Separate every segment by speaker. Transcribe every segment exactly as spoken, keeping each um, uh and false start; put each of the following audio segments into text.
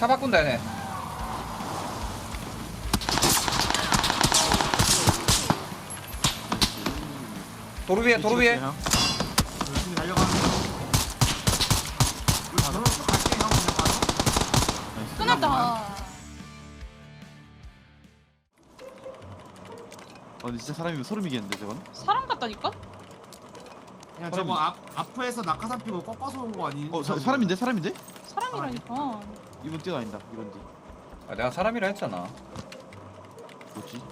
Speaker 1: 차 바꾼다 얘네. 도로 위에 도로 위에.
Speaker 2: 열심히 달려가는 거. 우리 바로 쭉 갈게 형 그냥 바로.
Speaker 3: 끝났다.
Speaker 4: 어 근데 진짜 사람이면 소름이겠는데 저건?
Speaker 3: 사람 같다니까?
Speaker 2: 그냥 저거 앞 앞에서 낙하산 피고 꺾어서 온 거 아니?
Speaker 4: 어 사, 사람인데 사람인데?
Speaker 3: 사람이라니까.
Speaker 4: 이번 뛰어다닌다 이번 뒤
Speaker 1: 아, 내가 사람이라 했잖아.
Speaker 4: 뭐지?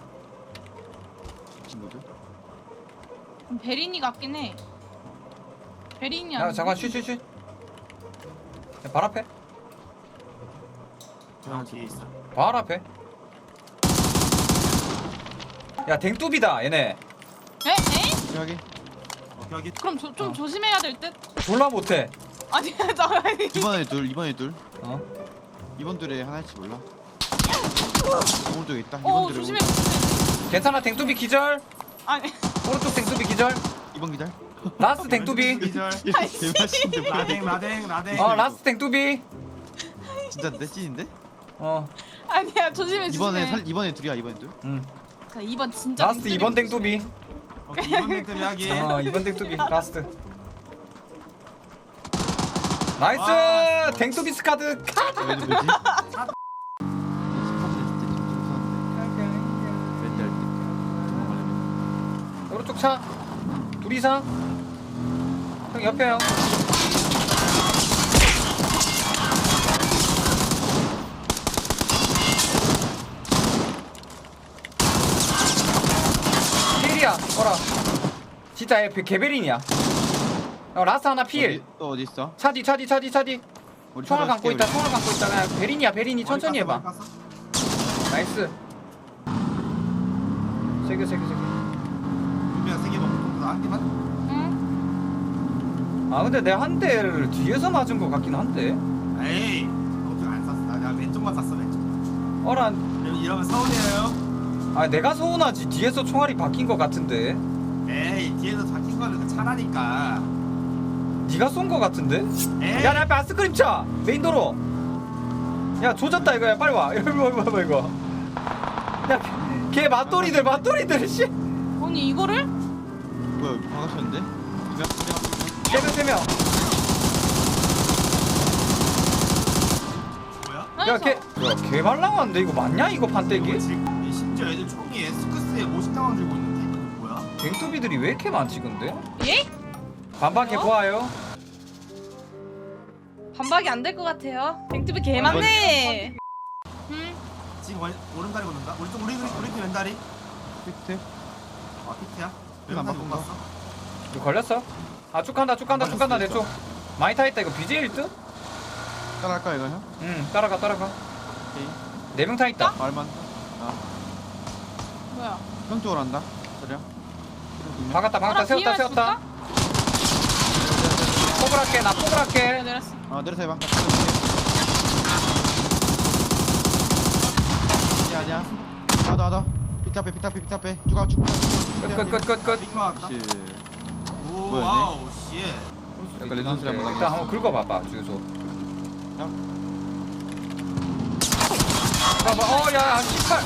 Speaker 4: 친구들?
Speaker 3: 베린이 같긴 해. 베린이
Speaker 1: 야
Speaker 3: 아니야?
Speaker 1: 잠깐 쉬쉬쉬. 발 앞에.
Speaker 2: 형 뒤에 있어.
Speaker 1: 발 앞에. 야 댕뚜비다 얘네.
Speaker 3: 에? 에?
Speaker 4: 여기
Speaker 2: 오케이 여기.
Speaker 3: 그럼 조, 좀
Speaker 4: 어.
Speaker 3: 조심해야 될 듯?
Speaker 1: 졸라 못해.
Speaker 3: 아니 잠깐만.
Speaker 4: 이번에 둘 이번에 둘
Speaker 1: 어?
Speaker 4: 이번 둘에 하나일지 몰라 오른쪽에 있다
Speaker 3: 어
Speaker 4: 이번 둘에
Speaker 3: 조심해.
Speaker 4: 오른-
Speaker 1: 괜찮아 댕뚜비 기절.
Speaker 3: 아니
Speaker 1: 오른쪽 댕뚜비 기절.
Speaker 4: 이번 기절
Speaker 1: 라스트 댕뚜비.
Speaker 2: 기절.
Speaker 4: 개맛인데 뭐야
Speaker 2: 라댕 라댕 라댕.
Speaker 1: 어 라스트 댕뚜비.
Speaker 4: 진짜인데? 찐인데?
Speaker 1: 어.
Speaker 3: 아니야 조심해 조심해.
Speaker 4: 이번에 살 이번에 둘이야 이번에 둘
Speaker 1: 응.
Speaker 3: 자, 이번 진짜
Speaker 1: 라스트
Speaker 3: 댕뚜비
Speaker 1: 이번
Speaker 3: 조심해.
Speaker 1: 댕뚜비.
Speaker 2: 오케이 이번 댕들이 하기.
Speaker 1: 어 이번 댕뚜비 라스트. 나이스
Speaker 2: 와.
Speaker 1: 댕뚜비 스카드.
Speaker 4: 왜지 뭐지? 이 스파드는 진짜 좀 무서운데 왠지 알듯 도망가려면
Speaker 1: 오른쪽 차. 둘 이상. 형 옆에 형. 필이야. 어라. 진짜 얘 개베린이야. 어, 라스 하나 필.
Speaker 4: 어디, 또 어디 있어?
Speaker 1: 차디 차디 차디 차디.
Speaker 4: 우리
Speaker 1: 총알
Speaker 4: 찾아줄게,
Speaker 1: 감고 있다.
Speaker 4: 우리.
Speaker 1: 총알 감고 있다. 그냥 베린이야 베린이 천천히 해봐.
Speaker 2: 머리 깠어?
Speaker 1: 나이스. 세개 세 개 세 개.
Speaker 2: 준비가 세개 먹고 나한 개만.
Speaker 3: 응?
Speaker 1: 아 근데 내가 한 대를 뒤에서 맞은 것 같긴 한데.
Speaker 2: 에이. 어떻게 안 쐈어? 나 내가 왼쪽만 쐈어 왼쪽.
Speaker 1: 어라.
Speaker 2: 이러면 서운해요.
Speaker 1: 아 내가 서운하지. 뒤에서 총알이 바뀐 것 같은데.
Speaker 2: 에이 뒤에서 잡힌 거는 그 차라니까.
Speaker 1: 네가 쏜 것 같은데?
Speaker 2: 에이.
Speaker 1: 야 내 앞에 아스크림 차 메인 도로. 야 조졌다 이거야. 빨리 와. 이거 이거 이거 이거. 야걔 맞돌이들 맞돌이들 씨.
Speaker 3: 아니 이거를?
Speaker 4: 뭐야 여기 박았었는데? 두명
Speaker 1: 세명 세 명.
Speaker 2: 뭐야?
Speaker 1: 야걔야걔 말랑한데 이거 맞냐 이거 판때기?
Speaker 2: 지금 이 심지어 애들 총이 에스크스에 오십 당원 들고 있는데 이거 뭐야?
Speaker 1: 갱투비들이 왜 이렇게 많지 근데?
Speaker 3: 예?
Speaker 1: 반박해
Speaker 3: 어?
Speaker 1: 보아요.
Speaker 3: 반박이 안 될 것 같아요. 댕뚜비 개 많네. 응?
Speaker 2: 지금 왼, 오른다리 걷는다? 우리 쪽 우리 우리 우리 팀 왼다리?
Speaker 4: 피트
Speaker 2: 아 피트야?
Speaker 4: 이거 안
Speaker 2: 왼다리 못
Speaker 4: 바꾼다.
Speaker 2: 봤어?
Speaker 1: 이거 걸렸어? 아 쭉 간다 쭉 간다 쭉 간다 내 쪽. 많이 타있다 이거 비제이 일 등?
Speaker 4: 따라할까 이거 형?
Speaker 1: 응 따라가 따라가.
Speaker 4: 오케이
Speaker 1: 네 명 타있다.
Speaker 4: 말만 아
Speaker 3: 뭐야?
Speaker 4: 형 쪽으로 한다 그래
Speaker 1: 박았다 박았다
Speaker 3: 나랑
Speaker 1: 세웠다
Speaker 3: 비유할 수
Speaker 1: 세웠다. 폭을 할게 나 폭을
Speaker 3: 그래
Speaker 1: 할게.
Speaker 3: 내렸어.
Speaker 4: 아 내려서 해봐 아니야 아니야 나도 나도 피트 앞에 피트 앞에 피트 앞에 쭉가 쭉
Speaker 1: 끝끝끝끝.
Speaker 2: 링거 왔다?
Speaker 4: 그렇지
Speaker 2: 오
Speaker 4: 뭐였네?
Speaker 2: 와우 씨
Speaker 4: 약간 레전드 한번
Speaker 1: 일단 한번 긁어봐봐 주유소. 봐봐 어야 십팔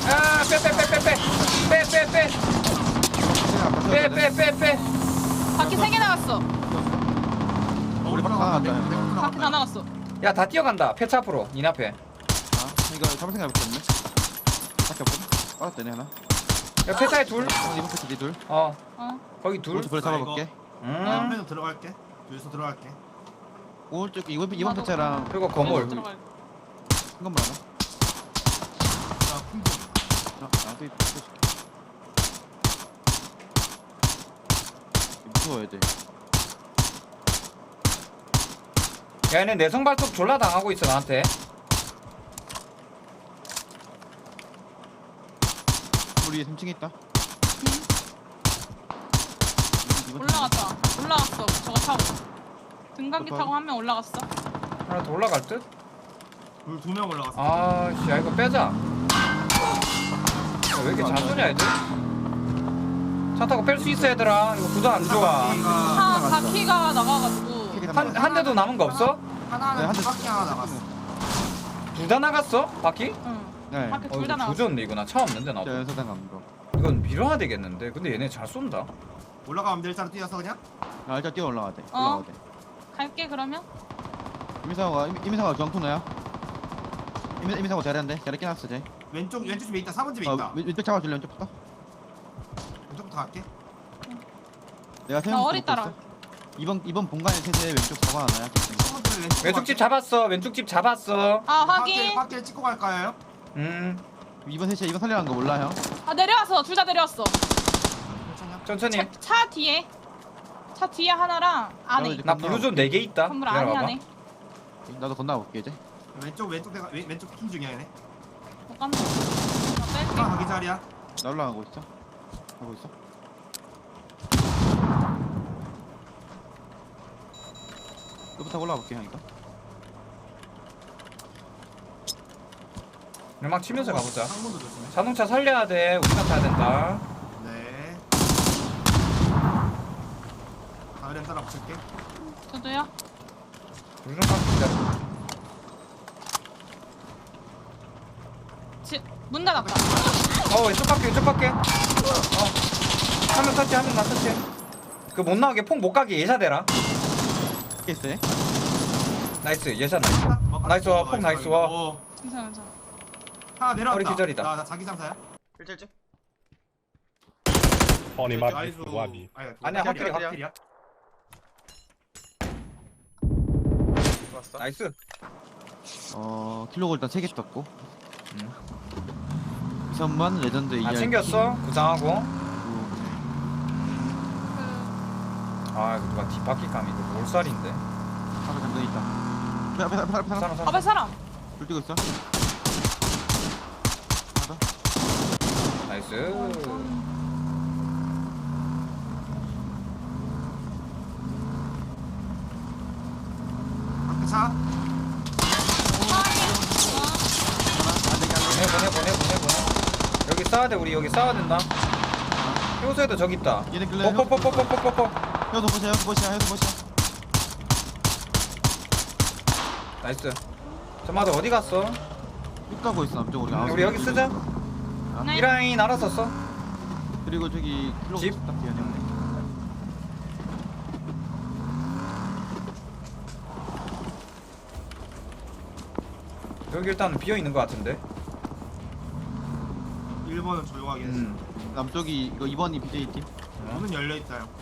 Speaker 1: 야빼빼빼빼빼빼빼빼빼빼빼빼.
Speaker 3: 바퀴 세 개 나갔어.
Speaker 4: 우리 막 하나 왔다 형.
Speaker 3: 바퀴 다 나갔어.
Speaker 1: 야 다 뛰어간다 폐차 앞으로 니 앞에.
Speaker 4: 아 이거 잡을 생각 못했네 밖에 없거든 빠졌대네 하나
Speaker 1: 야 폐차에 둘.
Speaker 4: 어, 이번 패치 둘
Speaker 1: 어
Speaker 3: 어.
Speaker 1: 거기 둘.
Speaker 4: 오른쪽 벌 잡아볼게
Speaker 2: 나
Speaker 1: 음
Speaker 2: 옆에서 들어갈게 뒤에서 들어갈게
Speaker 4: 오른쪽 이번 이번
Speaker 3: 나도.
Speaker 4: 패치랑
Speaker 1: 그리고 거물.
Speaker 3: 들어갈.
Speaker 4: 큰 건물 하나
Speaker 2: 자 풍부
Speaker 4: 아, 나도 있- 또 있을게. 무서워 애들
Speaker 1: 야 얘네 내성 발톱 졸라 당하고 있어 나한테.
Speaker 4: 우리 위에 삼 층에 있다 이번
Speaker 3: 올라갔다. 올라갔어. 저거 타고. 등간기
Speaker 4: 어떤?
Speaker 3: 타고 한 명 올라갔어.
Speaker 1: 하나 더 올라갈 듯?
Speaker 2: 둘두명 올라갔어
Speaker 1: 아씨 야 이거 빼자. 야, 왜 이렇게 잘 쏘냐 애들? 차 타고 뺄 수 있어 얘들아. 이거 구도 안 좋아.
Speaker 3: 차
Speaker 2: 바퀴가
Speaker 3: 바퀴가 나가가지고.
Speaker 4: 층에
Speaker 1: 한 한 대도 남은 거 없어?
Speaker 2: 하나는
Speaker 4: 네, 한 대.
Speaker 2: 두 바퀴 하나 나갔어
Speaker 1: 두 둘 다 나갔어? 바퀴?
Speaker 3: 응.
Speaker 4: 네.
Speaker 3: 밖에
Speaker 1: 어
Speaker 3: 둘 다
Speaker 1: 이거
Speaker 3: 나왔어.
Speaker 1: 조졌네 이거 나 차 없는데 나도.
Speaker 4: 저 연사장 가는 거.
Speaker 1: 이건 밀어야 되겠는데. 근데 얘네 잘 쏜다.
Speaker 2: 올라가면 될 사람 뛰어서 그냥.
Speaker 4: 아 일단 뛰어 올라가야 돼.
Speaker 3: 어.
Speaker 4: 올라가야 돼.
Speaker 3: 갈게 그러면.
Speaker 4: 이민상호가 이민- 이민상호가 중앙토너야. 이민 이민상호 잘했는데 잘해 끼놨어 쟤.
Speaker 2: 왼쪽 왼쪽 집에 있다. 사 번 집에
Speaker 4: 어
Speaker 2: 있다.
Speaker 4: 왼- 왼쪽 잡아줄래 왼쪽부터?
Speaker 2: 왼쪽부터 갈게.
Speaker 4: 내가
Speaker 3: 나
Speaker 4: 세운
Speaker 3: 어리 따라.
Speaker 4: 이번 이번 본관의 세대 왼쪽 잡아 하나야?
Speaker 2: 사 번 집에 왼쪽.
Speaker 1: 왼쪽 집 잡았어. 왼쪽 집 잡았어.
Speaker 3: 아
Speaker 2: 확길
Speaker 3: 확인.
Speaker 2: 확길 찍고 갈까요?
Speaker 1: 음
Speaker 4: 이번 세대 이번 살려는 거 몰라 형?
Speaker 3: 아 내려왔어. 둘 다 내려왔어.
Speaker 2: 괜찮냐?
Speaker 1: 천천히.
Speaker 3: 차, 차 뒤에. 차 뒤에 하나랑 안에.
Speaker 4: 이제
Speaker 1: 나 블루존 네 개 있다.
Speaker 3: 건물 안에
Speaker 1: 기다려봐봐.
Speaker 3: 안에.
Speaker 4: 나도 건너가 볼게 이제.
Speaker 2: 왼쪽 왼쪽 대가 왼, 왼쪽 킹 중이야 얘네.
Speaker 3: 못 간다. 나 뺄게.
Speaker 2: 아 거기 자리야.
Speaker 4: 나 올라가고 있어. 하고 있어. 이거부터 올라가 볼게 형 이거.
Speaker 1: 음악 치면서 가보자.
Speaker 2: 상문도 조심해.
Speaker 1: 자동차 살려야 돼. 우리가 타야 된다.
Speaker 2: 네. 다른 따라 붙일게.
Speaker 3: 저도요.
Speaker 1: 블루존 깎자.
Speaker 3: 지, 문 닫았다.
Speaker 1: 어 왼쪽 갈게 왼쪽 갈게. 어. 한 명 터치 한 명 나 터치. 그 못 나오게 폭 못 가게 예샷해라.
Speaker 4: 있어 얘?
Speaker 1: 나이스 예샷 나이스. 나이스 와, 폭 나이스 와.
Speaker 2: 어.
Speaker 3: 괜찮아 괜찮아.
Speaker 2: 하나 내려왔다.
Speaker 1: 허리 기절이다.
Speaker 2: 나, 나 자기 장사야.
Speaker 4: 일절집.
Speaker 5: Pony Map
Speaker 2: 나이스.
Speaker 5: Wabi.
Speaker 2: 아니야,
Speaker 1: 아니야,
Speaker 2: 확실이야,
Speaker 1: 확실이야.
Speaker 2: 확실이야.
Speaker 1: 나이스.
Speaker 4: 어 킬로그 일단 세 개 떴고.
Speaker 1: 음.
Speaker 4: 이선만 레전드 이알.
Speaker 1: 아 챙겼어. 구상하고.
Speaker 3: 그
Speaker 1: 아 이거 누가 뒷바퀴 감이 이거 몰살인데.
Speaker 4: 앞에 잠깐 있다. 앞에 앞에 앞에 앞에 사람.
Speaker 1: 사람 사람.
Speaker 3: 앞에 사람.
Speaker 4: 불 뛰고 있어. 하나 더.
Speaker 1: 나이스.
Speaker 2: 앞에 차.
Speaker 1: 보내 보내 보내 보내 보내. 여기 싸야 돼 우리 여기 싸야 된다. 효소에도 저기 있다.
Speaker 4: 얘네 끌래.
Speaker 1: 뽀뽀뽀뽀뽀뽀뽀.
Speaker 4: 형도 보시야 형도 보시야 형도 보시야.
Speaker 1: 나이스. 저마다 어디 갔어?
Speaker 4: 쭉 가고 있어 남쪽으로.
Speaker 1: 음, 우리 여기 쓰자.
Speaker 3: 네.
Speaker 1: 이 라인 알아서 써.
Speaker 4: 그리고 저기 킬로그
Speaker 1: 집?
Speaker 4: 딱 뒤에 형네.
Speaker 1: 여기 일단 비어 있는 것 같은데.
Speaker 2: 일 번은 조용하게 했어.
Speaker 1: 음.
Speaker 4: 남쪽이 이거 이 번이 비제이 팀.
Speaker 2: 문은 열려 있다 형.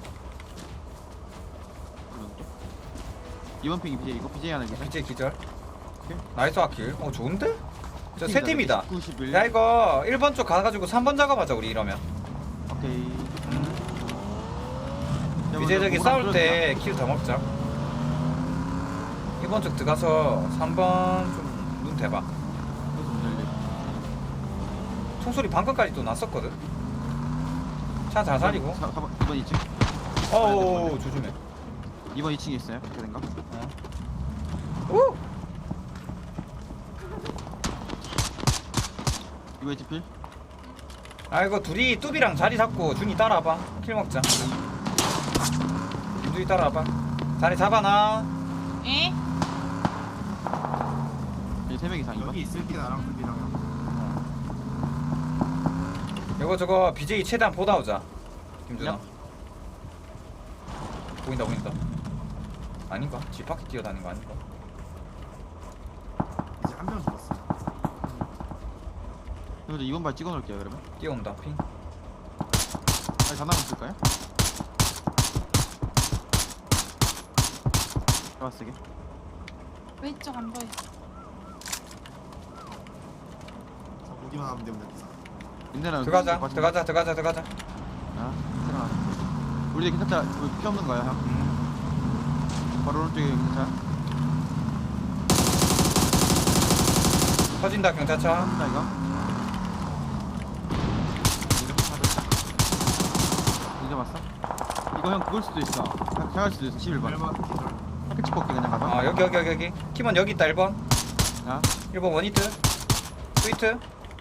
Speaker 4: 이 번 핑이 비제이 이거 비제이 하나 계산.
Speaker 1: 비제 기절.
Speaker 4: 오케이.
Speaker 1: 나이스 아킬. 어 좋은데? 저 세 팀이다.
Speaker 4: 구십일.
Speaker 1: 야 이거 일 번 쪽 가가지고 삼 번 작업하자 우리 이러면.
Speaker 4: 오케이.
Speaker 1: 이제 저기 싸울 때 킬 더 먹자. 일 번 쪽 들어가서 삼 번 좀 눈 대봐. 총소리 방금까지 또 났었거든. 차 잘 살리고.
Speaker 4: 사 번 이 번 이 층.
Speaker 1: 어우 조심해.
Speaker 4: 이 번 이 층에 있어요. 그렇게 된가?
Speaker 1: 오!
Speaker 4: 이 번 이 층 필.
Speaker 1: 아 이거 둘이 뚜비랑 자리 잡고 준이 따라와봐. 킬 먹자. 준이 따라와봐. 자리 잡아놔.
Speaker 3: 에?
Speaker 4: 여기 세 명 이상 이 번.
Speaker 2: 여기 있을게 나랑 둘이랑.
Speaker 1: 이거 저거 비제이 최대한 보다 오자. 김준아.
Speaker 4: 야.
Speaker 1: 보인다 보인다. 아닌가? 집 밖에 뛰어다닌 거 아닌가?
Speaker 2: 이제 한 명 죽었어.
Speaker 4: 그래서 이 번 발 찍어 놓을게요 그러면.
Speaker 1: 뛰어온다 핑.
Speaker 4: 아니 전화 한번 쓸까요? 좋아 쓰게.
Speaker 3: 왼쪽 안 보여.
Speaker 2: 저 보기만 하면 되면 됐어.
Speaker 4: 인내는
Speaker 1: 들어가자 들어가자 들어가자 들어가자.
Speaker 4: 아, 들어가. 우리 괜찮다. 우리 피 없는 거야 형.
Speaker 1: 음.
Speaker 4: 바로 오른쪽에 괜찮아.
Speaker 1: 터진다 경찰차.
Speaker 4: 한다 이거. 이제 왔어? 이거 형 그걸 수도 있어. 생할 수도 있어. 십일 번.
Speaker 2: 일 번 기절.
Speaker 4: 패치 뽑기 그냥 가봐.
Speaker 1: 아 여기 여기 여기 여기. 키먼 여기 있다 일 번.
Speaker 4: 자,
Speaker 1: 일 번 원히트. 스위트.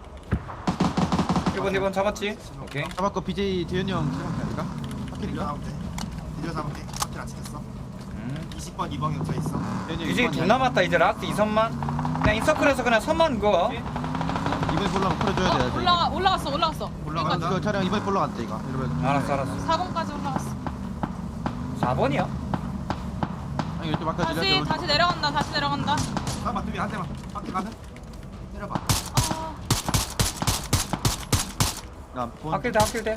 Speaker 1: 일 번 일 번 잡았지? 오케이.
Speaker 4: 잡았고 비제이 대현이 형 생각해 아닐까?
Speaker 2: 기절
Speaker 4: 파킬인가?
Speaker 2: 잡으면 돼. 기절 잡으면 돼. 확킬 안 찍혔어.
Speaker 1: 음.
Speaker 2: 이십 번 이 번 격차 있어.
Speaker 4: 대현이 형
Speaker 1: 이제
Speaker 4: 일 번이야.
Speaker 1: 둘 남았다 이제 라스트 이선만. 그냥 인서클에서 그냥 선만 그어.
Speaker 4: 이번에 볼라면 풀어줘야 돼.
Speaker 3: 어, 올라가 올라갔어 올라갔어.
Speaker 2: 올라간다.
Speaker 4: 이거 차량 이번에 볼라간대 이거. 이러면
Speaker 1: 알았어 알았어.
Speaker 3: 사 번까지 올라갔어.
Speaker 1: 사 번이야?
Speaker 4: 아니 이거 좀 아까
Speaker 3: 다시
Speaker 4: 들렸죠?
Speaker 3: 다시 내려간다 다시 내려간다.
Speaker 2: 잠깐만 뚜비 한 대만. 밖에 가든. 때려봐.
Speaker 3: 아,
Speaker 4: 나 본.
Speaker 1: 학길대 학길대.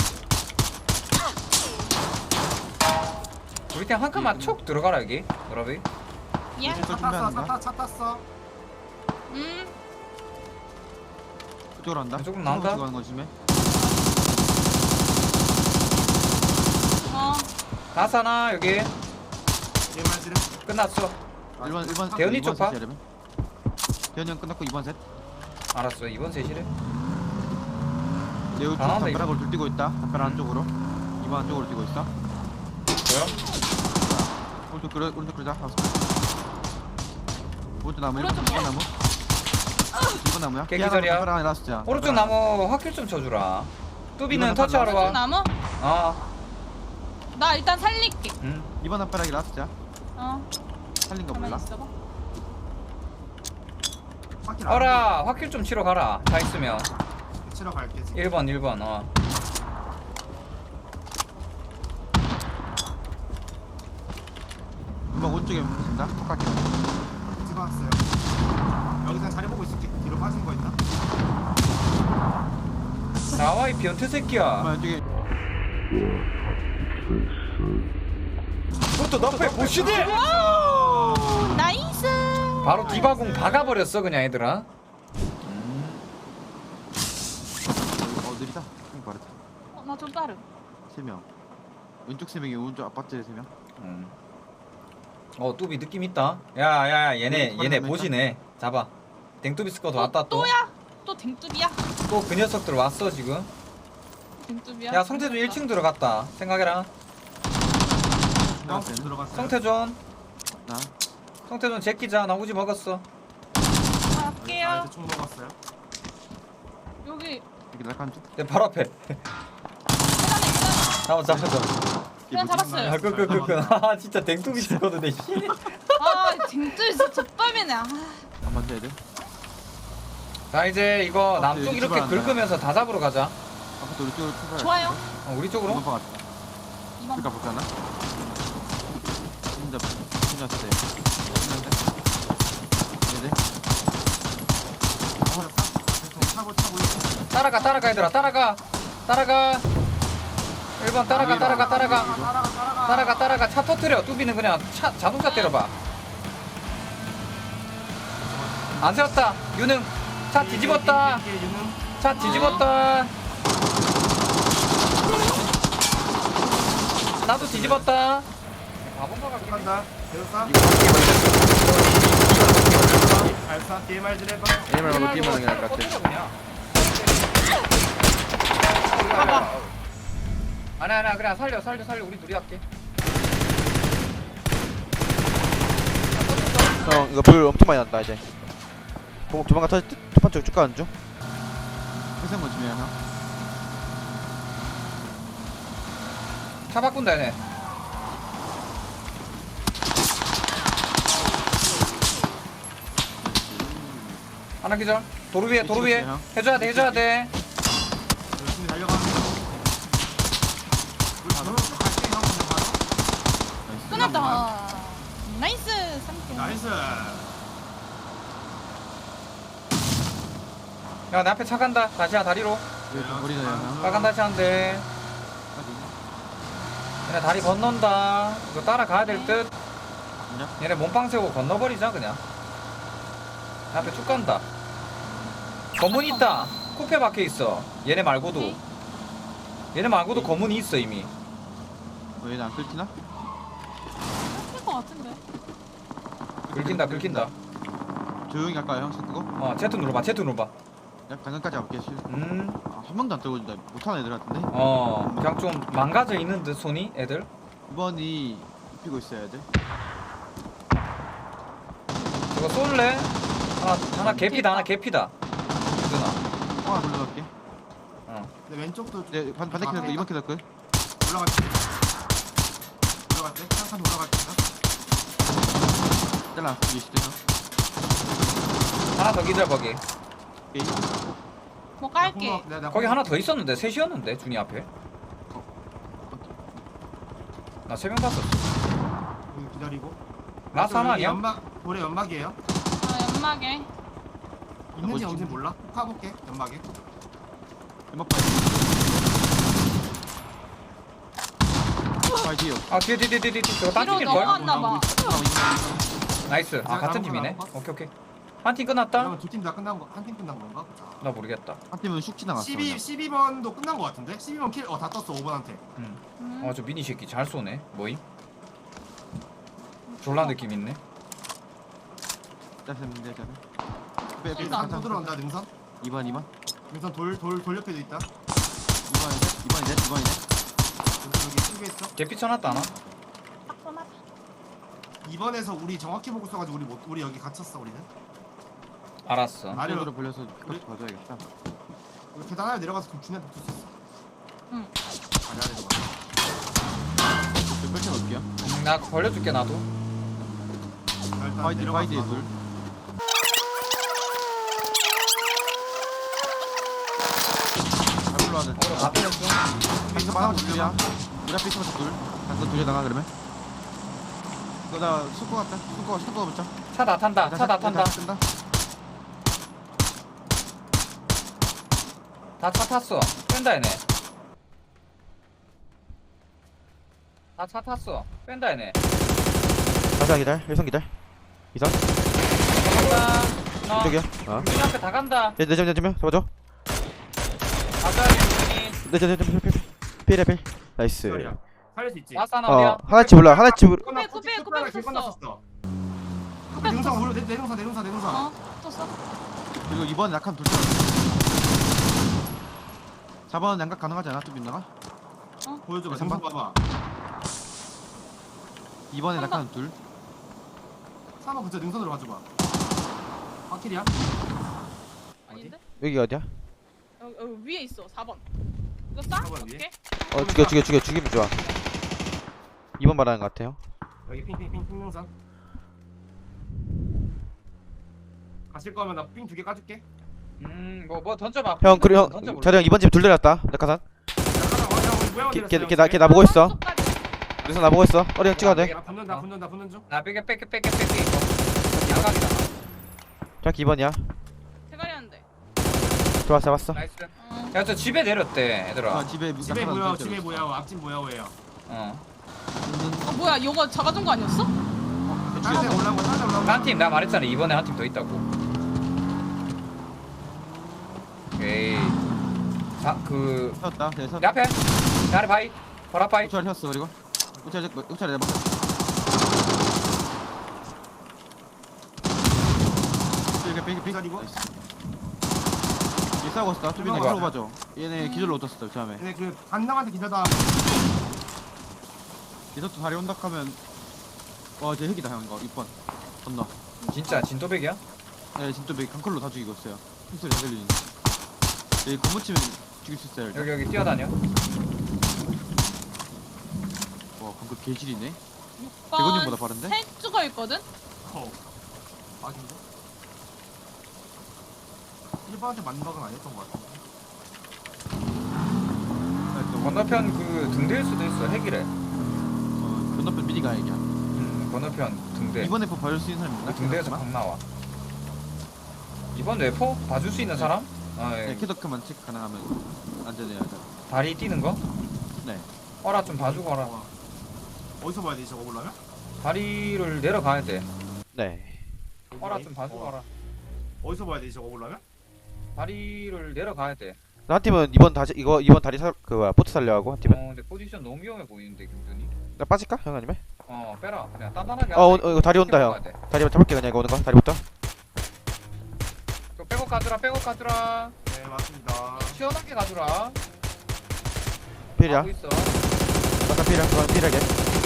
Speaker 1: 우리 팀 한 칸만 촉 들어가라 여기. 여러분.
Speaker 3: 예.
Speaker 2: 차 탔어. 차 탔어. 차 탔어.
Speaker 3: 음.
Speaker 4: 이쪽으로 한다.
Speaker 1: 이쪽으로 나온다?
Speaker 4: 가는 거 심해.
Speaker 3: 어.
Speaker 1: 나사나 여기
Speaker 2: 개말지를.
Speaker 1: 끝났어.
Speaker 4: 일번 일번
Speaker 1: 대현이 쪽 봐.
Speaker 4: 대현이 형 끝났고 이번 셋.
Speaker 1: 알았어 이번 셋이래.
Speaker 4: 내우 쪽
Speaker 1: 아, 네.
Speaker 4: 담벼락으로 둘 뛰고 있다. 담벼락 안쪽으로. 이번 안쪽으로 뛰고 있어.
Speaker 1: 뭐야?
Speaker 4: 오른쪽 그려 오른쪽 그러자. 오른쪽 나무
Speaker 3: 오른쪽
Speaker 4: 일번 나무. 이번 나무야.
Speaker 1: 깨기절이야.
Speaker 4: 담벼락 안에 놨었잖아.
Speaker 1: 오른쪽 나무 확킬 좀 쳐주라. 뚜비는
Speaker 4: 이번엔
Speaker 1: 터치하러
Speaker 3: 오른쪽
Speaker 1: 와.
Speaker 3: 나무?
Speaker 1: 아,
Speaker 3: 나 일단 살릴게.
Speaker 1: 응.
Speaker 4: 이번 담벼락이 놨었자.
Speaker 3: 어.
Speaker 4: 살린 거
Speaker 3: 가만히
Speaker 4: 몰라?
Speaker 3: 있어봐.
Speaker 2: 밖에 안
Speaker 1: 어라 확킬 좀 치러 가라. 다 있으면
Speaker 2: 돼. 치러 갈게. 지금.
Speaker 1: 일 번 일 번 어.
Speaker 4: 이번 오른쪽에 보신다. 똑같게.
Speaker 2: 찍어왔어요. 여기서 자리 보고 있을게. 뒤로 빠진 거 있나?
Speaker 1: 나와 이 변태 새끼야.
Speaker 4: 이번 왼쪽에
Speaker 1: 그것도 너프에 보시네.
Speaker 3: 오, 나이스.
Speaker 1: 바로 디바공 박아버렸어 그냥 얘들아.
Speaker 4: 어 느리다. 형 빠르다.
Speaker 3: 어, 나 좀 빠름.
Speaker 4: 세 명. 왼쪽 세 명이 오른쪽 아파트 세 명.
Speaker 1: 음. 어 뚜비 느낌 있다. 야야야 얘네
Speaker 4: 음,
Speaker 1: 얘네
Speaker 4: 빠르다,
Speaker 1: 보시네. 잡아. 댕뚜비 스쿼드 왔다 또.
Speaker 3: 또야? 또 댕뚜비야?
Speaker 1: 또 그 녀석들 왔어 지금.
Speaker 3: 댕뚜비야?
Speaker 1: 야 성태준 일 층 들어갔다. 생각해라.
Speaker 2: 어, 들어갔어요.
Speaker 1: 성태준.
Speaker 4: 나.
Speaker 1: 성태준 제끼자. 나 우지 먹었어.
Speaker 3: 아,
Speaker 2: 아,
Speaker 3: 갈게요.
Speaker 2: 이제 총 먹었어요.
Speaker 3: 여기
Speaker 4: 여기 날간 쪽.
Speaker 1: 내 바로 앞에.
Speaker 3: 계단에 계단.
Speaker 1: 잡아 잡아 잡아.
Speaker 3: 그냥 잡았어요.
Speaker 1: 야, 그, 그, 그, 그. 아, 진짜 댕뚜비 스쿼드 내 씨.
Speaker 3: 아, 댕뚜비 진짜 젖밥이네. 아.
Speaker 4: 한번 더 해야 돼.
Speaker 1: 자, 이제 이거
Speaker 4: 어,
Speaker 1: 남쪽
Speaker 4: 여기
Speaker 1: 이렇게
Speaker 4: 출발한다.
Speaker 1: 긁으면서 다 잡으러 가자.
Speaker 4: 아파트 우리 쪽으로 출발.
Speaker 3: 좋아요.
Speaker 1: 어, 우리 쪽으로?
Speaker 4: 이번 방 같다.
Speaker 3: 이번
Speaker 4: 그러니까 볼까나? 진짜 진짜 세. 네네.
Speaker 2: 차고 차고 있어.
Speaker 1: 따라가, 따라가, 얘들아. 따라가. 따라가. 일 번 따라가, 따라가, 따라가.
Speaker 2: 따라가 따라가.
Speaker 1: 따라가, 따라가. 차 터트려. 뚜비는 그냥 차, 자동차 때려봐. 안 세웠다. 유능. 차 뒤집었다.
Speaker 2: 이게 유능.
Speaker 1: 차 뒤집었다. 나도 뒤집었다. 바본가 같긴 해.
Speaker 2: 간다. 대우사. 발사. 디엠알질 해봐.
Speaker 4: 에이말 말고 뒤에 하는 게 나을 것 같아.
Speaker 1: 그냥. 아니 아니 그냥 살려 살려 살려 우리 둘이 할게.
Speaker 5: 형 이거 불 엄청 많이 난다 이제 조- 조만간 터질 듯? 첫판 쪽 쭉 가는 중?
Speaker 4: 회생 뭐 중요해 형.
Speaker 1: 차 바꾼다 얘네. 하나 기절. 도로 위에 도로 위에
Speaker 4: 미치겠어요.
Speaker 1: 해줘야 돼 해줘야 돼.
Speaker 2: 열심히 달려가는 거. 우리 저로 갈게 형. 그냥 바로.
Speaker 3: 끝났다. 나이스. 삼 점.
Speaker 2: 나이스.
Speaker 1: 야 내 앞에 차 간다. 다시야 다리로.
Speaker 4: 이거 좀 버리자 형.
Speaker 1: 빨간 다시 한대. 얘네 다리 건넌다. 이거 따라가야 될 듯.
Speaker 4: 그냥?
Speaker 1: 얘네 몸빵 세우고 건너버리자 그냥. 내 앞에 쭉 간다. 검문 있다. 코페 박혀 있어. 얘네 말고도.
Speaker 3: 오케이.
Speaker 1: 얘네 말고도 검문이 있어 이미.
Speaker 4: 어, 얘는 안 끓지나?
Speaker 3: 할것 같은데.
Speaker 1: 긁힌다 긁힌다.
Speaker 4: 조용히 할까요 형? 끄고?
Speaker 1: 어 Z 눌러봐 Z 눌러봐.
Speaker 4: 야 당근까지 가볼게. 실.
Speaker 1: 음.
Speaker 4: 아, 한 명도 안 떨어진다. 못하는 애들 같은데?
Speaker 1: 어 그냥 좀 망가져 있는 듯 손이 애들.
Speaker 4: 이번이 입히고 있어야 돼.
Speaker 1: 저거 쏠래? 하나 하나 개피다 하나 개피다. 누나.
Speaker 4: 하나 돌려갈게.
Speaker 1: 어.
Speaker 2: 내 왼쪽도
Speaker 4: 네, 반, 반대
Speaker 2: 아,
Speaker 4: 키도 이번 키도 끝.
Speaker 2: 올라갈 때. 올라갈 때. 한칸 올라갈 때.
Speaker 4: 잘라. 이게 시대서.
Speaker 1: 하나 더 기절 거기.
Speaker 4: 오케이.
Speaker 3: 뭐 깔게.
Speaker 2: 내가, 내가
Speaker 1: 거기 하나 더 있었는데 셋이었는데 준이 앞에. 나 세 명 봤었어.
Speaker 2: 여기 기다리고.
Speaker 1: 라스 하나 아니야?
Speaker 2: 연막 올해 연막이에요.
Speaker 3: 아 연막에.
Speaker 2: 있는지
Speaker 4: 뭐지?
Speaker 2: 없는지 몰라. 파볼게 연막에.
Speaker 4: 연막 파이. 파이 뒤요.
Speaker 1: 아 뒤에 뒤에 뒤에 뒤에 저거 딴
Speaker 3: 뒤로
Speaker 1: 팀일 걸?
Speaker 3: 넘어갔나 봐.
Speaker 1: 나이스. 아 같은 팀이네. 오케이 오케이. 한 팀 끝났다?
Speaker 2: 그러면 두 팀 다 끝난 거, 한 팀 끝난 건가?
Speaker 1: 나 모르겠다.
Speaker 4: 한 팀은 슉 지나갔어.
Speaker 2: 십이,
Speaker 4: 그냥.
Speaker 2: 십이 번도 끝난 거 같은데? 십이 번 킬, 어, 다 떴어, 오 번한테.
Speaker 1: 응.
Speaker 3: 음.
Speaker 1: 어 저 미니 새끼 잘 쏘네. 뭐임? 졸라 느낌 있네.
Speaker 4: 짜증 내 짜증. 빼 빼.
Speaker 3: 쏜다.
Speaker 2: 능선 또 들어온다, 능선.
Speaker 4: 이번 이번.
Speaker 2: 능선 돌, 돌, 돌 옆에도 있다.
Speaker 4: 이번이네. 이번이네. 이번이네.
Speaker 2: 여기, 여기 친구 있어.
Speaker 1: 개피 쳐놨다 하나?
Speaker 3: 딱 보나?
Speaker 2: 이 번에서 우리 정확히 보고 써가지고 우리 못, 우리 여기 갇혔어, 우리는.
Speaker 1: 알았어.
Speaker 2: 아,
Speaker 4: 안쪽으로 벌려서 그렇게 가져야겠다.
Speaker 2: 우리 계단 하나 내려가서 그럼 준이한테 붙을 수 있어.
Speaker 3: 응.
Speaker 2: 아니, 아래 내려가.
Speaker 4: 좀 펼쳐 놓을게요.
Speaker 1: 음, 나 벌려줄게 나도.
Speaker 2: 자, 일단
Speaker 4: 파이디
Speaker 2: 내려가서
Speaker 4: 파이디에
Speaker 2: 봐도.
Speaker 4: 둘. 잘 불러와야 돼.
Speaker 1: 어, 앞에 좀.
Speaker 4: 여기서 마당 둘이야. 우리 앞에 있으면 둘. 당근 둘이 나가 그러면. 이거 나 숙고 같다. 숙고 숙고 붙자.
Speaker 1: 차 다 탄다. 차 다 탄다.
Speaker 4: 뜬다.
Speaker 1: 다 차 탔어. 뺀다 얘네. 다 차 탔어. 뺀다 얘네.
Speaker 5: 가자 기다려. 일선 기다려. 이선.
Speaker 1: 간다. 너.
Speaker 5: 이쪽이야. 어.
Speaker 1: 준이 앞에 다 간다.
Speaker 5: 내 내점 내점이야. 잡아줘.
Speaker 1: 가자 준이.
Speaker 5: 내점 내점 필 필. 필해 필. 나이스.
Speaker 2: 기다려. 살릴 수 있지.
Speaker 1: 라스 하나 어디야?
Speaker 5: 어 하나치 몰라. 하나치 몰라.
Speaker 2: 끝나-
Speaker 3: 쿠페, 쿠페,
Speaker 2: 끝나가
Speaker 3: 쿠페
Speaker 2: 길
Speaker 3: 썼어.
Speaker 2: 건넜었어.
Speaker 3: 쿠페
Speaker 2: 능선
Speaker 3: 떴어.
Speaker 2: 오려 내 내능선 내능선 내능선.
Speaker 3: 어? 떴어?
Speaker 4: 그리고 이번 약간 둘. 사 번 양각 가능하지 않아? 좀 있나가?
Speaker 2: 보여줘봐.
Speaker 4: 삼 번?
Speaker 2: 능선 봐봐.
Speaker 4: 이번에
Speaker 3: 삼
Speaker 4: 약간 둘.
Speaker 2: 삼 번 그저 능선으로 가줘봐. 확킬이야?
Speaker 3: 아닌데?
Speaker 5: 여기 어디야?
Speaker 3: 여기, 여기 위에 있어. 사 번. 이거 싸?
Speaker 2: 사 번 위에?
Speaker 3: 어떻게?
Speaker 5: 어 죽여 죽여 죽여 죽이면 좋아. 이번 말하는 것 같아요.
Speaker 2: 여기 핑핑핑 핑능선. 가실 거면 나 핑 두 개 까줄게.
Speaker 1: 음뭐 뭐 던져봐.
Speaker 5: 형 그리고 형
Speaker 1: 던져볼래?
Speaker 5: 자리 형 이번 집 둘 내렸다. 낙하산.
Speaker 2: 걔
Speaker 5: 걔걔나 걔 나보고 있어.
Speaker 3: 쪽까지.
Speaker 5: 그래서 나보고 있어. 어리 형 찍어도 돼.
Speaker 2: 나 붙는다 붙는다 붙는 중.
Speaker 1: 나 빼게 빼게 빼게 빼게 이거. 양각이다.
Speaker 5: 자기 이번이야.
Speaker 3: 대가리 하는데.
Speaker 5: 좋았어 잡았어.
Speaker 1: 나이스.
Speaker 3: 응.
Speaker 1: 야 저 집에 내렸대 얘들아.
Speaker 4: 아 집에
Speaker 2: 집에
Speaker 4: 약간
Speaker 2: 뭐야
Speaker 4: 둘
Speaker 2: 집에
Speaker 4: 때렸어.
Speaker 2: 뭐야 앞집 뭐야 왜요?
Speaker 1: 어.
Speaker 3: 어 뭐야 이거 작아진 거 아니었어?
Speaker 2: 다른 데 올라오고 다른 데 올라오고.
Speaker 1: 한 팀 내가 말했잖아 이번에 한 팀 더 있다고. 오케이. 자그
Speaker 4: 세웠다. 네, 세웠다.
Speaker 1: 내 앞에 내 아래 바이 바라 바이.
Speaker 4: 우차를 세웠어 그리고. 우차를 우차를 내봐. 이렇게 빙 빙.
Speaker 2: 기다리고.
Speaker 4: 얘 싸우고 있었다. 투빈이
Speaker 2: 이거
Speaker 4: 바로 봐줘. 얘네 기절로 얻었어 처음에.
Speaker 2: 근데 그 간남한테 기다다.
Speaker 4: 얘서도 다리 온다 하면 와쟤 핵이다 형 이거 육 번 건너.
Speaker 1: 진짜 진또백이야?
Speaker 4: 네 진짜 매 강컬로 다 죽이고 있어요. 핑소리 다 들리니. 얘 건물 치면 죽일 수 있어요. 일단.
Speaker 1: 여기 여기 뛰어다녀.
Speaker 4: 와 방금 개질이네.
Speaker 3: 육
Speaker 4: 대건님보다
Speaker 3: 번
Speaker 4: 빠른데?
Speaker 3: 세 죽어 있거든?
Speaker 2: 어. 아닌데? 일 번한테 맞는 박은 아니었던 것 같아.
Speaker 1: 건너편 그 등대일 수도 있어 핵이래.
Speaker 4: 어 건너편 미니가 얘기야.
Speaker 1: 음 건너편 등대.
Speaker 4: 이번 에프 봐줄 수 있는 사람 있나?
Speaker 1: 그 등대에서 방 나와. 이번 웨포 봐줄 수 있는
Speaker 4: 네.
Speaker 1: 사람? 아,
Speaker 4: 네
Speaker 1: 예.
Speaker 4: 캐더크만 체크 가능하면 안전해야 돼.
Speaker 1: 다리 뛰는 거?
Speaker 4: 네.
Speaker 1: 어라 좀 봐주고 어라.
Speaker 2: 어. 어디서 봐야 되지 저거 보려면?
Speaker 1: 다리를 내려가야 돼.
Speaker 5: 네.
Speaker 1: 어라 좀 봐주고
Speaker 2: 어.
Speaker 1: 어라.
Speaker 2: 어디서 봐야 되지 저거 보려면?
Speaker 1: 다리를 내려가야 돼.
Speaker 5: 한 팀은 이번 다시 이거 이번 다리 살그 뭐야 보트 살려하고 한 팀은.
Speaker 1: 어 근데 포지션 너무 위험해 보이는데 김준이.
Speaker 5: 나 빠질까 형 아니면?
Speaker 1: 어 빼라. 그냥 단단하게.
Speaker 5: 어,
Speaker 1: 하자.
Speaker 5: 어, 이거 다리 온다, 형.
Speaker 1: 가야 돼.
Speaker 5: 다리 잡을게 그냥 이거 오는 거 다리부터.
Speaker 1: 이거 빼고 가주라 빼고 가주라.
Speaker 2: 네 맞습니다.
Speaker 1: 시원하게 가주라.
Speaker 5: 필이야.
Speaker 1: 하고 있어.
Speaker 5: 아까 필이야. 그건 필하게.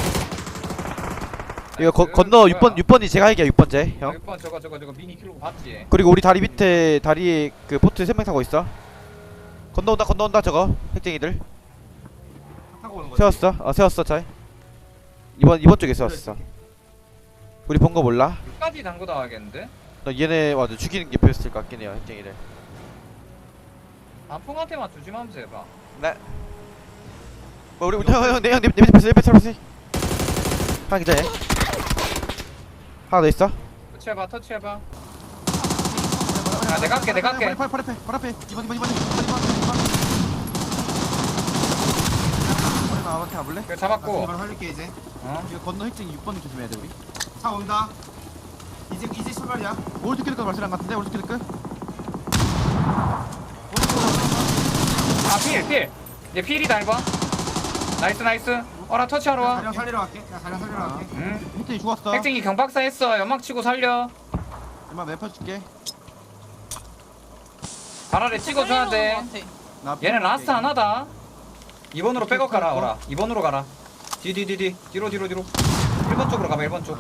Speaker 5: 이거 거,
Speaker 1: 나이스.
Speaker 5: 건너
Speaker 1: 뭐야?
Speaker 5: 육 번 육 번이 제가 이겨 육 번째 형.
Speaker 1: 육 번 저거 저거 저거 미니 킬로 봤지?
Speaker 5: 그리고 우리 다리 밑에 다리에 그 보트 세 명 타고 있어. 건너온다 건너온다 저거 핵쟁이들.
Speaker 2: 타고 오는 거지.
Speaker 5: 세웠어. 어 세웠어 잘. 이번 이번 쪽에 세웠어. 우리 본 거 몰라?
Speaker 1: 끝까지 담고 나가겠는데?
Speaker 5: 나 얘네 맞아 죽이는 게 베스트일 것 같긴 해요 핵쟁이를.
Speaker 1: 단풍한테만 조심하면서 해봐.
Speaker 5: 네. 뭐 우리 형형내형내 밑에 패스 내 패스 패스. 하나 기자해. 하나 더 있어.
Speaker 1: 터치해봐 터치해봐. 야 내가 할게 내가 할게.
Speaker 4: 팔, 팔, 팔 앞에, 팔 앞에. 이번, 이번, 이번, 이번, 이번, 이번, 이번. 머리 나한테 가볼래?
Speaker 1: 이거
Speaker 2: 나
Speaker 1: 잡았고.
Speaker 2: 이걸 살릴게 이제.
Speaker 1: 어?
Speaker 4: 이거 건너 핵쟁이 육 번 조심해야 돼 우리.
Speaker 2: 차 온다. 이제 이제 출발이야.
Speaker 4: 오른쪽 길끝 말실한 같은데 오른쪽 길끝.
Speaker 1: 아 필 필. 얘 필이다 일 번. 나이스 나이스. 어라 터치하러 와.
Speaker 2: 자령 살리러 갈게. 나 자령 살리러 갈게.
Speaker 1: 응.
Speaker 4: 핵쟁이 죽었어.
Speaker 1: 핵쟁이 경박사 했어. 연막 치고 살려.
Speaker 4: 얼마 맵 줄게.
Speaker 1: 발 아래 찍어줘야 돼.
Speaker 4: 나
Speaker 1: 얘는 라스트 하나다. 이 번으로 백업 가라 어라. 이 번으로 가라. 뒤뒤뒤뒤 뒤로 뒤로 뒤로. 일 번 쪽으로 가봐 일 번 쪽.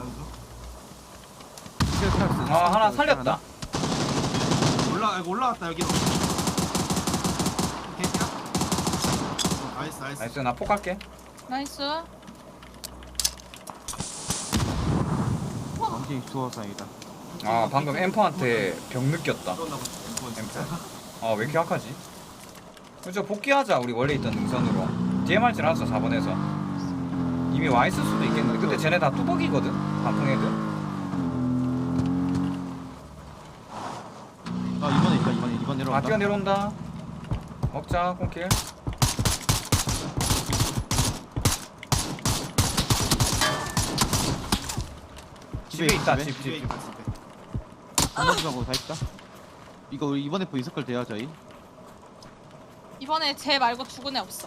Speaker 1: 아 하나 살렸다.
Speaker 2: 올라 이거 올라왔다 여기로. 개야. 나이스 나이스.
Speaker 1: 나이스 나 폭 갈게.
Speaker 3: 나이스.
Speaker 4: 원킹 죽어서 다행이다.
Speaker 1: 아 방금 엠퍼한테 병 느꼈다.
Speaker 2: 들어온다 보자.
Speaker 1: 엠퍼. 아 왜 이렇게 약하지? 그죠 복귀하자 우리 원래 있던 능선으로. 디엠알질 하자 사 번에서. 이미 와 있을 수도 있겠는데 근데 쟤네 다 뚜벅이거든 단풍 애들.
Speaker 4: 아 이번에 있다 이번에 이번
Speaker 1: 아
Speaker 4: 내려온다.
Speaker 1: 뛰어 내려온다. 먹자 콩킬. 집에 있다
Speaker 4: 집에.
Speaker 1: 집
Speaker 2: 집에
Speaker 1: 집.
Speaker 2: 있다 집에.
Speaker 4: 한번하고 다 있다. 이거 우리 이번에 보 있을 걸 돼요 저희.
Speaker 3: 이번에 쟤 말고 죽은 애 없어.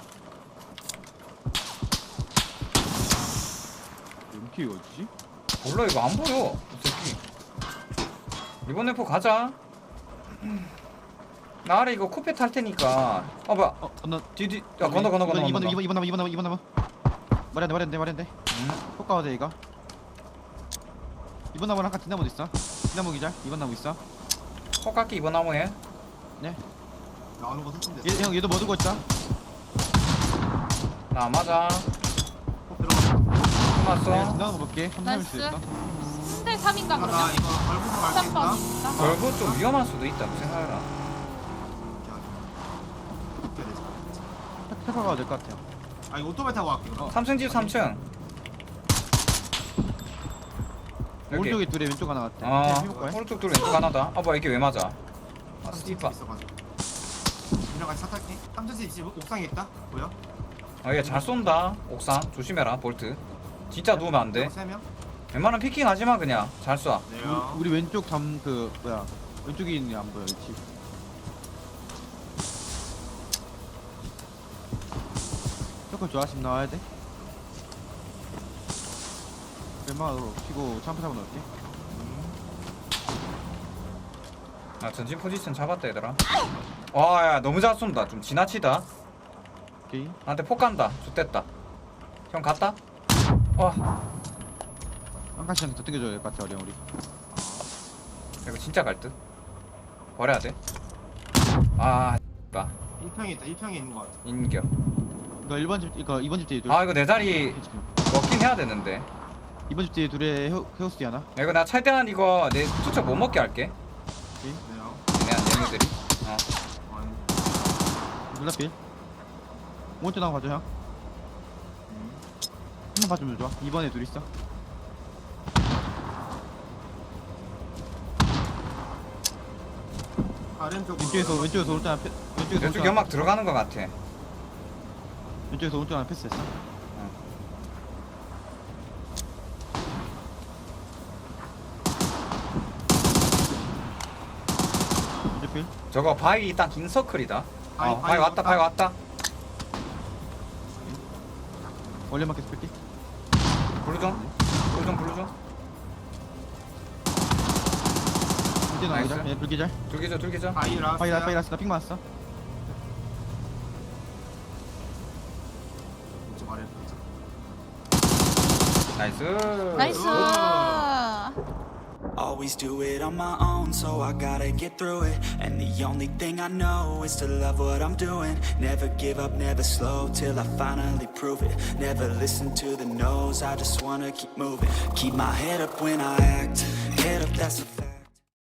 Speaker 4: 이렇게 어디지?
Speaker 1: 몰라 이거 안 보여 이 새끼. 이번 래퍼 가자. 나 아래 이거 쿠페 탈 테니까. 어 뭐야
Speaker 4: 어 건너.
Speaker 1: 뒤뒤 야 건너 건너 건너
Speaker 4: 이번
Speaker 1: 건너.
Speaker 4: 이번 이번 이번 이번 이번 이번 말이 안돼 말이 안돼 말이 안돼.
Speaker 1: 응?
Speaker 4: 효과가 돼 이거. 이번 나무랑 아까 뒷나무도 있어. 뒷나무 기절. 이번 나무 있어.
Speaker 1: 폭깎기 이번 나무에.
Speaker 2: 나오는 거 설정돼.
Speaker 4: 얘, 형 얘도 뭐 들고 있다.
Speaker 1: 나 안 맞아.
Speaker 2: 꼭 들어가.
Speaker 4: 네,
Speaker 1: 끝났어.
Speaker 4: 뒷나무 볼게. 삼삼일
Speaker 3: 나이스.
Speaker 4: 수도 있어.
Speaker 3: 삼 대 삼인가
Speaker 2: 아, 나
Speaker 3: 그러면?
Speaker 2: 이거 걸고서 갈게
Speaker 3: 삼
Speaker 2: 있다.
Speaker 3: 번 있다.
Speaker 1: 결국 좀 위험할 수도 있다고 생각해라.
Speaker 4: 해봐가 될 것 같아요.
Speaker 2: 아 이거 오토바이 타고 갈게. 그럼.
Speaker 1: 삼 층 집 삼 층. 여기.
Speaker 4: 오른쪽에 둘에 왼쪽 하나 같아.
Speaker 1: 아
Speaker 4: 그냥 해볼까요?
Speaker 1: 오른쪽 둘 왼쪽 하나다. 아 뭐야 이게 왜 맞아? 아 스티파.
Speaker 2: 있어가지고. 이랑 같이 차 탈게. 삼천집 집 옥상에 있다. 보여?
Speaker 1: 아 얘 잘 쏜다. 옥상 조심해라 볼트. 진짜 누우면 안 돼.
Speaker 2: 세 명.
Speaker 1: 웬만하면 피킹 하지 마 그냥. 잘 쏴.
Speaker 2: 네요.
Speaker 4: 우리, 우리 왼쪽 담 그 뭐야 왼쪽에 있는 게 안 보여 이 집. 조금 좋아하시면 나와야 돼. 왼마으로 치고 참프 잡아 넣을게.
Speaker 1: 아 전진 포지션 잡았다 얘들아. 와야 너무 잘 쏜다. 좀 지나치다.
Speaker 4: 오케이.
Speaker 1: 나한테 폭 간다. 좋됐다. 형 갔다? 와
Speaker 4: 한 칸씩 더 당겨줘야 될 것 같아 어려 우리.
Speaker 1: 이거 진짜 갈 듯. 버려야 돼. 아 봐.
Speaker 2: 일 평에 있다. 일 평에 있는 거 같아.
Speaker 1: 인겨.
Speaker 4: 이거 일 번 집 이거 이 번 집 뒤에 둘.
Speaker 1: 아 이거 내 자리
Speaker 4: 지금.
Speaker 1: 먹긴 해야 되는데.
Speaker 4: 이 번 집 뒤에 둘에 헤어 헤어스티 하나.
Speaker 1: 야, 이거 나 최대한 이거 내 투척 못 먹게 할게.
Speaker 2: 네요.
Speaker 1: 얘네 얘네들이. 어.
Speaker 2: 아니.
Speaker 4: 눈앞필. 오른쪽 나가 봐줘 형. 한번 봐주면 좋아. 이 번에 둘 있어.
Speaker 2: 아래쪽.
Speaker 4: 왼쪽에서 왼쪽에서 오른쪽 하나 패. 왼쪽에서
Speaker 1: 왼쪽
Speaker 4: 오른쪽
Speaker 1: 연막 들어가는 것 같아.
Speaker 4: 하나- 왼쪽에서 오른쪽 하나 패스했어. 왼쪽 필.
Speaker 1: 저거 바위 딱 인서클이다.
Speaker 2: 바위,
Speaker 1: 어, 바위
Speaker 2: 바위
Speaker 1: 왔다,
Speaker 2: 왔다.
Speaker 1: 바위 왔다.
Speaker 4: 원래 맞게 스펠티.
Speaker 1: 블루 좀, 블루 좀, 블루 좀.
Speaker 4: 이제
Speaker 1: 나이스.
Speaker 4: 나가자. 얘 불기절.
Speaker 1: 둘기죠, 둘기죠.
Speaker 2: 바이라.
Speaker 4: 파이라 파이라스 나핑 맞았어.
Speaker 2: 좀 아래 보자.
Speaker 1: 나이스.
Speaker 3: 나이스.
Speaker 6: Always do it on my own, so I gotta get through it. And the only thing I know is to love what I'm doing. Never give up, never slow, till I finally prove it. Never listen to the no's, I just wanna keep moving. Keep my head up when I act, head up, that's a fact.